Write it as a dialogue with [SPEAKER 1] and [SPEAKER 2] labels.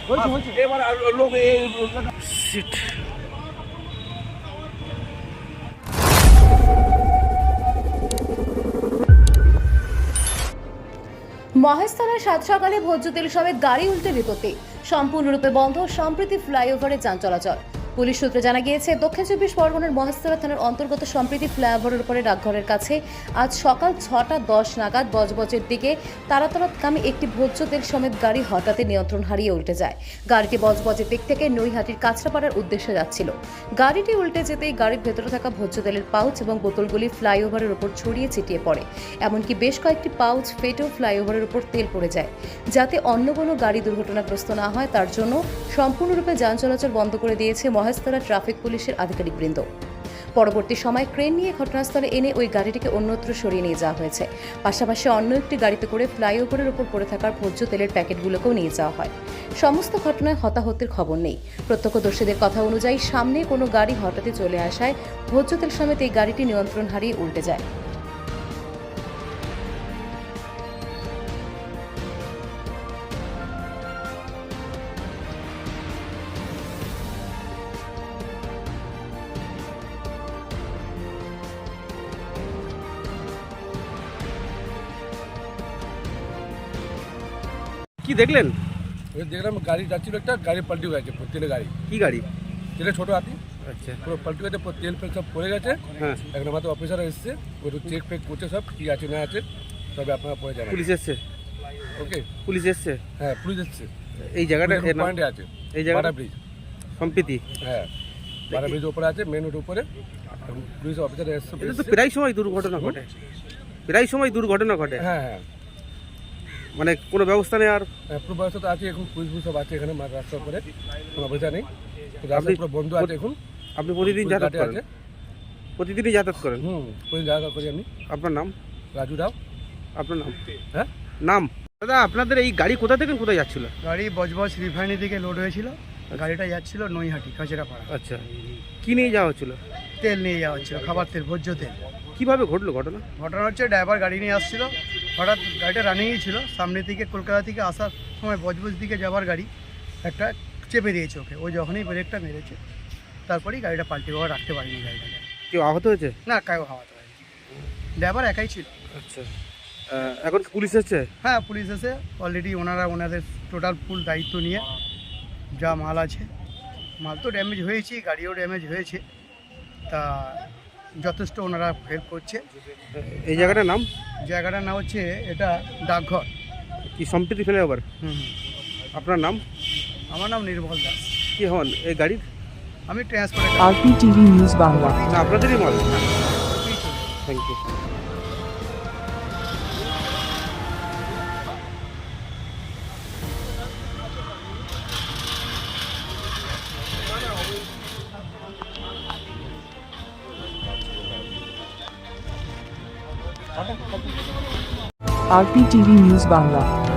[SPEAKER 1] এবার লোক
[SPEAKER 2] সিট
[SPEAKER 3] মহেশতলায় সাত সকালে ভোজ্য তেল সমেত গাড়ি উল্টে বিপত্তি, সম্পূর্ণরূপে বন্ধ সম্প্রতি ফ্লাইওভারে যান চলাচল। পুলিশ সূত্রে জানা গিয়েছে, দক্ষিণ চব্বিশ পরগনার মহেশতলা থানার অন্তর্গত সম্প্রীতি ফ্লাইওভারের উপরে ডাকঘরের কাছে আজ সকাল 6:10 নাগাদ বজবজের দিকে তারাতলাগামী একটি ভোজ্য তেল সমেত গাড়ি হঠাৎই নিয়ন্ত্রণ হারিয়ে উল্টে যায়। গাড়িটি বজবজের দিক থেকে নৈহাটির কাঁচরাপাড়ার উদ্দেশ্যে যাচ্ছিল। গাড়িটি উল্টে যেতেই গাড়ির ভেতরে থাকা ভোজ্য তেলের পাউচ এবং বোতলগুলি ফ্লাইওভারের উপর ছড়িয়ে ছিটিয়ে পড়ে। এমনকি বেশ কয়েকটি পাউচ ফেটেও ফ্লাইওভারের উপর তেল পড়ে যায়। যাতে অন্য কোনো গাড়ি দুর্ঘটনাগ্রস্ত না হয় তার জন্য সম্পূর্ণরূপে যান চলাচল বন্ধ করে দিয়েছে মহেশতলা ট্রাফিক পুলিশের আধিকারিকবৃন্দ। পরবর্তী সময় ক্রেন নিয়ে ঘটনাস্থলে এনে ওই গাড়িটিকে অন্যত্র সরিয়ে নিয়ে যাওয়া হয়েছে। পাশাপাশি অন্য একটি গাড়িতে করে ফ্লাইওভারের উপর পড়ে থাকার ভোজ্য তেলের প্যাকেটগুলোকেও নিয়ে যাওয়া হয়। সমস্ত ঘটনায় হতাহতের খবর নেই। প্রত্যক্ষদর্শীদের কথা অনুযায়ী সামনে কোনো গাড়ি হঠাৎই চলে আসায় ভোজ্য তেল সমেত এই গাড়িটি নিয়ন্ত্রণ হারিয়ে উল্টে যায়।
[SPEAKER 2] কি দেখলেন?
[SPEAKER 1] দেখলাম গাড়ি যাচ্ছিল, একটা গাড়ি পাল্টি গেছে, তেলের গাড়ি।
[SPEAKER 2] কি গাড়ি?
[SPEAKER 1] তেলের ছোটো হাতি
[SPEAKER 2] আচ্ছা,
[SPEAKER 1] পুরো পাল্টি গেছে, তেল ফেল সব পড়ে গেছে।
[SPEAKER 2] হ্যাঁ,
[SPEAKER 1] এখন আমাদের অফিসার এসছে, ওই চেক ফেক করছে সব কি আছে না আছে, তবে আপনারা পরে যাবেন।
[SPEAKER 2] পুলিশ এসছে?
[SPEAKER 1] ওকে,
[SPEAKER 2] পুলিশ এসছে?
[SPEAKER 1] হ্যাঁ পুলিশ এসছে।
[SPEAKER 2] এই জায়গাটা
[SPEAKER 1] পয়েন্টে আছে,
[SPEAKER 2] এই জায়গা
[SPEAKER 1] বাটা ব্রিজ
[SPEAKER 2] সম্প্রীতি?
[SPEAKER 1] হ্যাঁ, বাটা ব্রিজ উপরে আছে, মেন রোড উপরে। পুলিশ অফিসার এসছে।
[SPEAKER 2] এটা তো প্রায় সময় দুর্ঘটনা ঘটে, প্রায় সময় দুর্ঘটনা ঘটে।
[SPEAKER 1] হ্যাঁ হ্যাঁ,
[SPEAKER 2] মানে কোনো ব্যবস্থা নেই? আর
[SPEAKER 1] পুরো ব্যবস্থা তো আছে, এখন পুলিশ সব আছে এখানে রাস্তার উপরে, কোনো অবস্থা নেই। রাস্তা পুরো বন্ধ আছে এখন।
[SPEAKER 2] আপনি প্রতিদিন যাতায়াত করেন?
[SPEAKER 1] আছে,
[SPEAKER 2] প্রতিদিনই যাতায়াত করেন?
[SPEAKER 1] পুলিশ যাতায়াত করি আমি।
[SPEAKER 2] আপনার নাম?
[SPEAKER 1] রাজু রাও।
[SPEAKER 2] আপনার নাম?
[SPEAKER 1] হ্যাঁ,
[SPEAKER 2] নাম? দাদা, আপনাদের এই গাড়ি কোথা থেকে কোথায় যাচ্ছিল?
[SPEAKER 4] গাড়ি বজবজ রিফাইনারি থেকে লোড হয়েছিল। গাড়িটা যাচ্ছিল নৈহাটি কাঁচরাপাড়া।
[SPEAKER 2] আচ্ছা, কি নিয়ে যাওয়া হচ্ছিল?
[SPEAKER 4] তেল নিয়ে যাওয়া হচ্ছিল, খাবার তেল, ভোজ্য তেল।
[SPEAKER 2] কিভাবে ঘটলো ঘটনা?
[SPEAKER 4] ঘটনা হচ্ছে, ড্রাইভার গাড়ি নিয়ে আসছিল, হঠাৎ গাড়িটা রানিংই ছিল, সামনে থেকে কলকাতা থেকে আসার সময় বজবজ দিকে যাওয়ার গাড়ি একটা চেপে দিয়েছে ওকে। ও যখনই ব্রেকটা মেরেছে তারপরেই গাড়িটা পাল্টে বাবা রাখতে পারিনি গাড়িটাকে।
[SPEAKER 2] কেউ আহত হয়েছে?
[SPEAKER 4] না, কাউ হাওয়াতে হয়নি, ড্রাইভার একাই ছিল।
[SPEAKER 2] আচ্ছা, এখন পুলিশ এসছে?
[SPEAKER 4] হ্যাঁ, পুলিশ এসে অলরেডি ওনাদের টোটাল ফুল দায়িত্ব নিয়ে যা মাল আছে, মাল তো ড্যামেজ হয়েছে, গাড়িও ড্যামেজ হয়েছে, তা যথেষ্ট ওনারা হেল্প করছে।
[SPEAKER 2] এই জায়গাটার নাম?
[SPEAKER 4] জায়গাটার নাম হচ্ছে এটা ডাকঘর।
[SPEAKER 2] কি সম্প্রীতি ফ্লাইওভার?
[SPEAKER 4] হুম।
[SPEAKER 2] আপনার নাম?
[SPEAKER 4] আমার নাম নির্মল দাস।
[SPEAKER 2] কি হন এই গাড়ির?
[SPEAKER 4] আমি ট্রান্সপোর্ট।
[SPEAKER 5] RPTV news Bangla.
[SPEAKER 2] না, আপনাদেরই মাল? Thank you.
[SPEAKER 5] RPTV news Bangla.